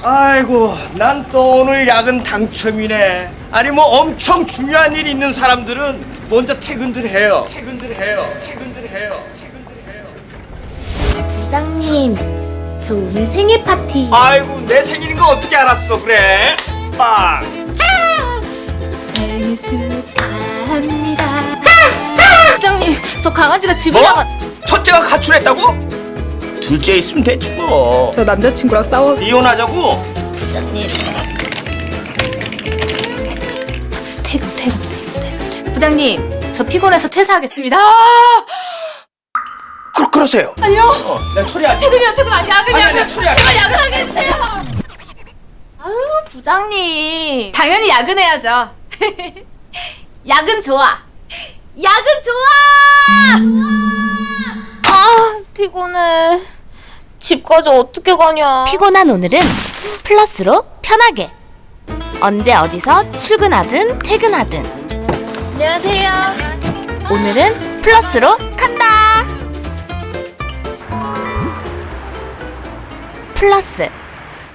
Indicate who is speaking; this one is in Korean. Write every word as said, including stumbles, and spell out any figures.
Speaker 1: 아이고, 난 또 오늘 야근 당첨이네. 아니 뭐 엄청 중요한 일 있는 사람들은 먼저 퇴근들 해요. 퇴근들 해요. 퇴근들 해요. 퇴근들 해요.
Speaker 2: 부장님, 저 오늘 생일 파티.
Speaker 1: 아이고, 내 생일인 거 어떻게 알았어? 그래? 빵.
Speaker 2: 생일 축하합니다. 부장님, 저 강아지가 집을
Speaker 1: 뭐?
Speaker 2: 나가.
Speaker 1: 첫째가 가출했다고? 둘째 있으면 됐지 뭐.
Speaker 3: 저 남자친구랑 싸워서.
Speaker 1: 이혼하자고?
Speaker 2: 부장님. 퇴근, 퇴근, 퇴근, 퇴근. 부장님, 저 피곤해서 퇴사하겠습니다.
Speaker 1: 그, 그러세요.
Speaker 2: 아니요.
Speaker 1: 어, 내가 처리하지.
Speaker 2: 퇴근이요, 퇴근 아니 야근이요.
Speaker 1: 아니, 아니, 처리할게.
Speaker 2: 제발 야근하게 해주세요. 아유, 부장님. 당연히 야근해야죠. 야근 좋아. 야근 좋아. 아, 피곤해. 집까지 어떻게 가냐. 피곤한 오늘은 플러스로 편하게. 언제 어디서 출근하든 퇴근하든. 안녕하세요. 오늘은 플러스로 간다. 플러스